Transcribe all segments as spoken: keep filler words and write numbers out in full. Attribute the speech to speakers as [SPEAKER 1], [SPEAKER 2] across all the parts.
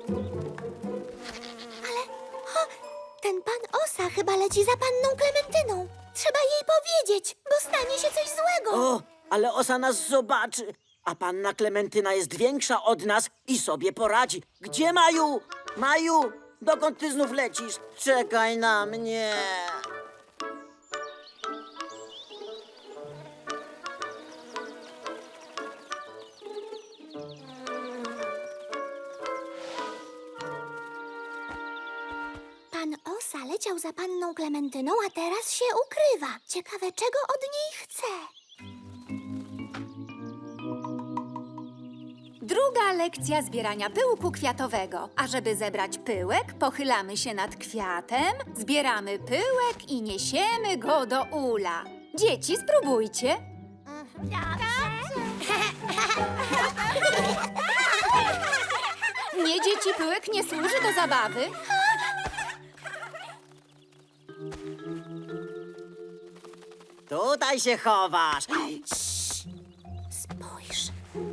[SPEAKER 1] Ale o, ten pan Osa chyba leci za panną Klementyną. Trzeba jej powiedzieć, bo stanie się coś złego.
[SPEAKER 2] O, ale Osa nas zobaczy. A panna Klementyna jest większa od nas i sobie poradzi. Gdzie Maju? Maju, dokąd ty znów lecisz? Czekaj na mnie.
[SPEAKER 1] Pan Osa leciał za panną Klementyną, a teraz się ukrywa. Ciekawe, czego od niej chce.
[SPEAKER 3] Druga lekcja zbierania pyłku kwiatowego. A żeby zebrać pyłek, pochylamy się nad kwiatem, zbieramy pyłek i niesiemy go do ula. Dzieci, spróbujcie. Nie, dzieci, pyłek nie służy do zabawy.
[SPEAKER 2] Tutaj się chowasz.
[SPEAKER 1] Spójrz.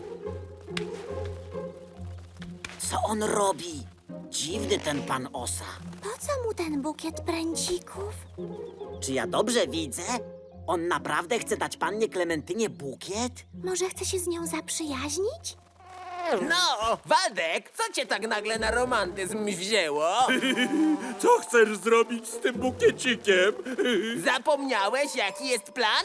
[SPEAKER 2] Co on robi? Dziwny ten pan Osa.
[SPEAKER 1] Po co mu ten bukiet pręcików?
[SPEAKER 2] Czy ja dobrze widzę? On naprawdę chce dać pannie Klementynie bukiet?
[SPEAKER 1] Może chce się z nią zaprzyjaźnić?
[SPEAKER 4] No, Waldek, co cię tak nagle na romantyzm wzięło?
[SPEAKER 5] Co chcesz zrobić z tym bukiecikiem?
[SPEAKER 4] Zapomniałeś, jaki jest plan?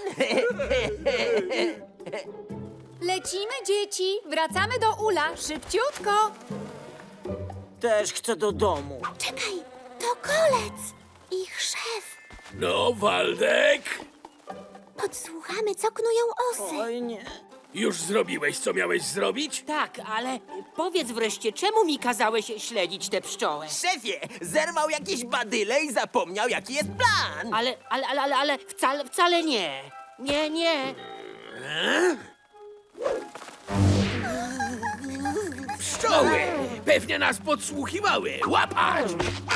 [SPEAKER 3] Lecimy, dzieci. Wracamy do ula. Szybciutko.
[SPEAKER 2] Też chcę do domu.
[SPEAKER 1] Czekaj, to kolec. Ich szef.
[SPEAKER 5] No, Waldek,
[SPEAKER 1] Podsłuchamy, co knują osy.
[SPEAKER 2] Oj nie.
[SPEAKER 5] już zrobiłeś, co miałeś zrobić?
[SPEAKER 6] Tak, ale powiedz wreszcie, czemu mi kazałeś śledzić tę pszczołę?
[SPEAKER 4] Szefie, zerwał jakieś badyle i zapomniał, jaki jest plan.
[SPEAKER 6] Ale, ale, ale, ale, ale wcale, wcale nie. Nie, nie.
[SPEAKER 5] Pszczoły! Pewnie nas podsłuchiwały! Łapać!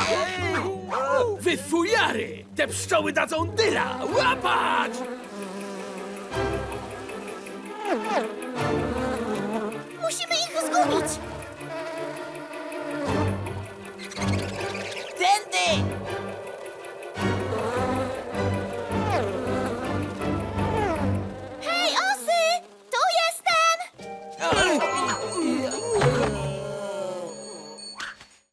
[SPEAKER 5] Wy fujary! Te pszczoły dadzą dyla! Łapać!
[SPEAKER 1] Musimy ich zgubić.